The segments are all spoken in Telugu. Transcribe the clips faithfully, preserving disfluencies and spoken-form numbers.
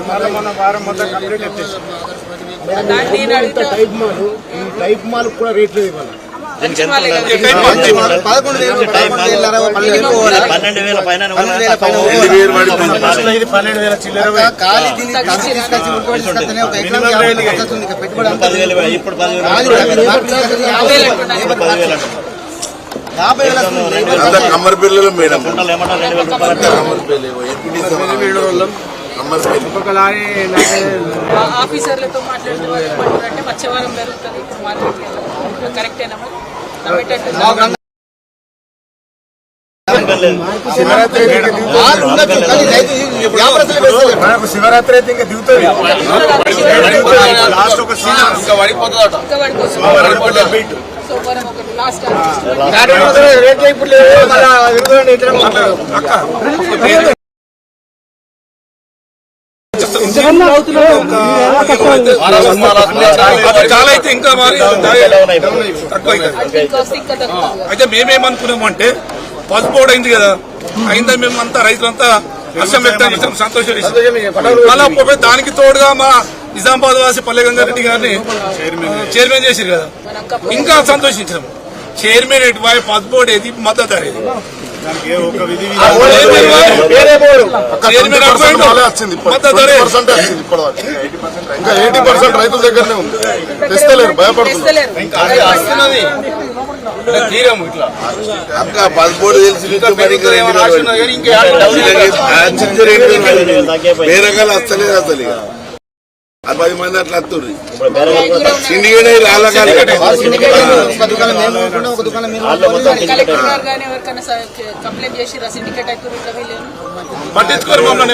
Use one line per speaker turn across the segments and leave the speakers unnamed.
టైప్ మాల్ ఈ టైప్ మాల్ కూడా రేట్లు ఇవ్వాలి.
పదకొండు వేలు పన్నెండు వేల పైన
పన్నెండు వేల చిల్లర
ఇప్పుడు పదివేలు
కమ్మరి పిల్లలు మేడం
ఆఫీసర్లతో మాట్లాడుతుంటే మత్స్యవారం జరుగుతుంది ఇప్పుడు మార్కెట్ కరెక్టేనా
శివరాత్రి అయితే ఇంకా దిగుతుంది.
సోమవారం ఒకటి లాస్ట్
చాలా అయితే ఇంకా మరి అయితే మేమేమనుకున్నాము అంటే పసుపోడు అయింది కదా, అయిందా మేము అంతా రైతులంతా హర్షం వ్యక్తం చేసాం, సంతోషం మళ్ళా దానికి తోడుగా మా నిజామాబాద్ వాసి పల్లె గంగారెడ్డి గారిని చైర్మన్ చేసారు కదా, ఇంకా సంతోషించాం. చైర్మన్ ఎటు వాయి పసుపోడు ఏది మద్దతు ధర ఏది
ఇంకా ఎయిటీ పర్సెంట్ రైతుల దగ్గరనే ఉంది, తెస్తలేరు, భయపడుతున్నారు. పదమూడు వేరే రకాలు వస్తలేదు అసలు, పది మంది అట్లా వస్తుంది. సిండికేట్
పట్టించుకోరు మమ్మల్ని.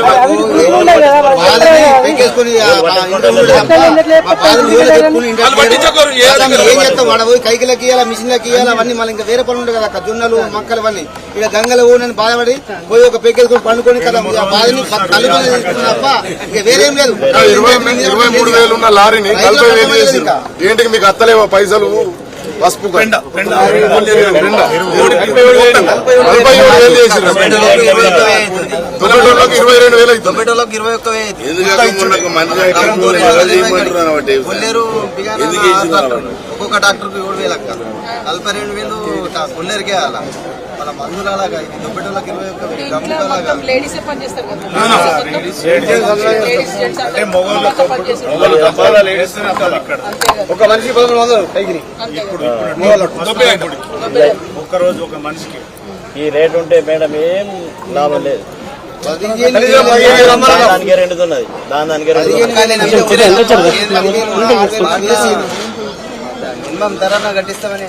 కైకిలకి ఇవ్వాలి, మిషన్లకి ఇవ్వాలి, అవన్నీ మళ్ళీ ఇంకా వేరే పనులు ఉంటాయి కదా, జొన్నలు మొక్కలు అవన్నీ ఇక గంగలు పోనని బాధపడి పోయి ఒక పెగ్గేసుకొని పండుకొని కదా బాధని కలుపుకొని తప్ప ఇక వేరేం లేదు.
ఇరవై మూడు వేలు ఉన్న లారీని నలభై వేలు చేసి ఏంటికి మీకు అత్తలేవా పైసలు? పసుపు నలభై ఏడు వేలు చేసి తొమ్మిది ఇరవై రెండు వేలు అవుతుంది.
ఇరవై ఒక్క ఒక్కొక్క డాక్టర్ కు ఏడు వేలు అక్క, నలభై రెండు వేలు కొల్లేరుకే అలా మన మందులు అలాగా, దుబ్బెటోళ్ళకి ఇరవై ఒక్క వేలు ఒక మనిషి పదకొండు వందలు పైకి
ఒక్క రోజు ఒక మనిషికి
ఈ రేటు ఉంటే మేడం ఏం లాభం లేదు. దానికే రెండుతున్నది, దాని దానికే మినిమం ధర కట్టిస్తామని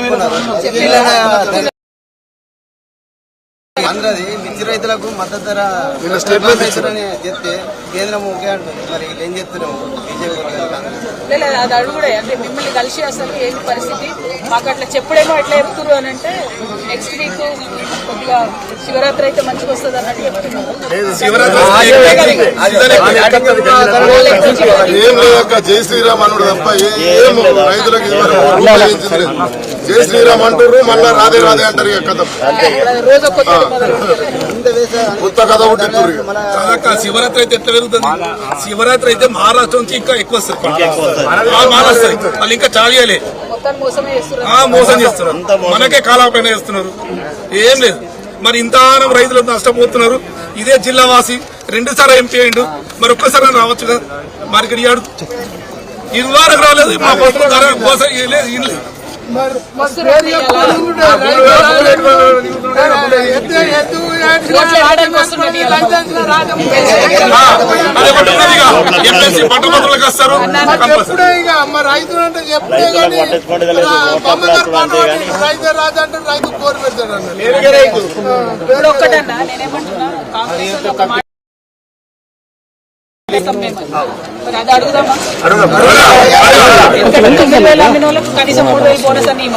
అందరది మిర్చి రైతులకు మద్దతు ధర అని చెప్తే కేంద్రం ఓకే అంటుంది. మరి ఏం చెప్తున్నాము బీజేపీ?
అది అడుగుడే అంటే మిమ్మల్ని కలిసి అసలు ఏంటి పరిస్థితి మాకు అట్లా చెప్పుడేమో ఎట్లా చెప్తున్నారు అని అంటే నెక్స్ట్ వీక్ కొద్దిగా శివరాత్రి అయితే మంచిగా వస్తుంది అన్నట్టు చెప్తున్నారు.
జై శ్రీరామ్ అన్నాడు తప్ప ఏం రైతులకు జై శ్రీరామ్ అంటారు, మళ్ళా రాదే రాదే అంటారు.
రోజు కొత్త
కొత్త కథ పుట్టిస్తారు.
శివరాత్రి అయితే ఎట్లా పెరుగుతుంది? శివరాత్రి అయితే మహారాష్ట్ర నుంచి ఇంకా ఎక్కువ వస్తుంది, మహారాష్ట్ర వాళ్ళు ఇంకా చాలియాలి మోసం చేస్తున్నారు, మనకే కాలాపైన చేస్తున్నారు. ఏం లేదు మరి ఇంతగానం రైతులు నష్టపోతున్నారు. ఇదే జిల్లా వాసి రెండు సార్లు ఎంపీ అయ్యిండు, మరి ఒక్కసారి రావచ్చు కదా. మరి ఇక్కడ ఇయ్యాడు ఇరువారకు రాలేదు, మా పసుపు ధర కోసం లేదు ఇల్లు పట్టభద్రులకు వస్తారు.
రైతులు అంటే చెప్తే రైతు రాజు అంటే రైతు కోరి పెడతాడు
ఇప్పుడు ఒక్కటన్నా నేనేమంటున్నా కాంగ్రెస్ అది అడుగుదామా? కనీసం మూడు వేలు బోనస్ అని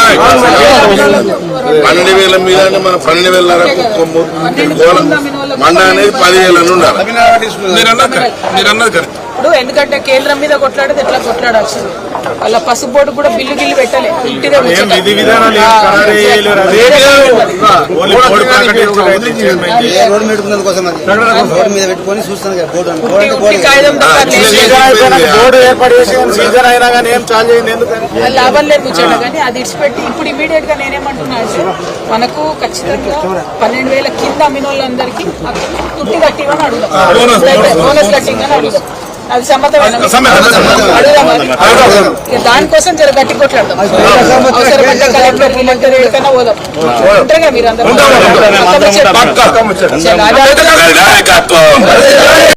పన్నెండు వేల మీద మన పన్నెండు వేల మండ అనేది పదివేల ఉండాలి.
మీరు అన్నది మీరు అన్నది కరెక్ట్.
ఇప్పుడు ఎందుకంటే కేంద్రం మీద కొట్లాడేది ఎట్లా కొట్లాడాల్సింది వాళ్ళ పసుపు బోర్డు కూడా బిల్లు గిల్లు పెట్టలే ఇంటిదే ముచ్చట.
ఏ రోడ్డు పెట్టుకున్నందు కోసం అది రోడ్డు మీద పెట్టుకొని చూస్తాను కదా బోర్డు అని. బోర్డు అంటే
ఉట్టి
బోర్డు
కాగితం తప్ప లేదు.
బోర్డు ఏర్పాటు చేసి సీజన్ అయినా కానీ ఏం చాలు చేయండి ఎందుకని
అది లాభం లేదు ముచ్చట. కానీ అది ఇడిచిపెట్టి ఇప్పుడు ఇమీడియట్ గా నేనేమంటున్నా అంటే మనకు ఖచ్చితంగా పన్నెండు వేల కింద అమ్మిన వాళ్ళందరికీ తుట్టి కట్టివని అడుగుదాం, బోనస్ కట్టిందని అడుగుదాం. అది సమ్మతమైన అడుగుదాం. ఇక దానికోసం జర గట్టి కొట్లాడదాం. అవసరమైతే కలెక్టర్ కలెక్టర్ ఎక్కడికైనా పోదాం. ఉంటారుగా మీరు అందరూ.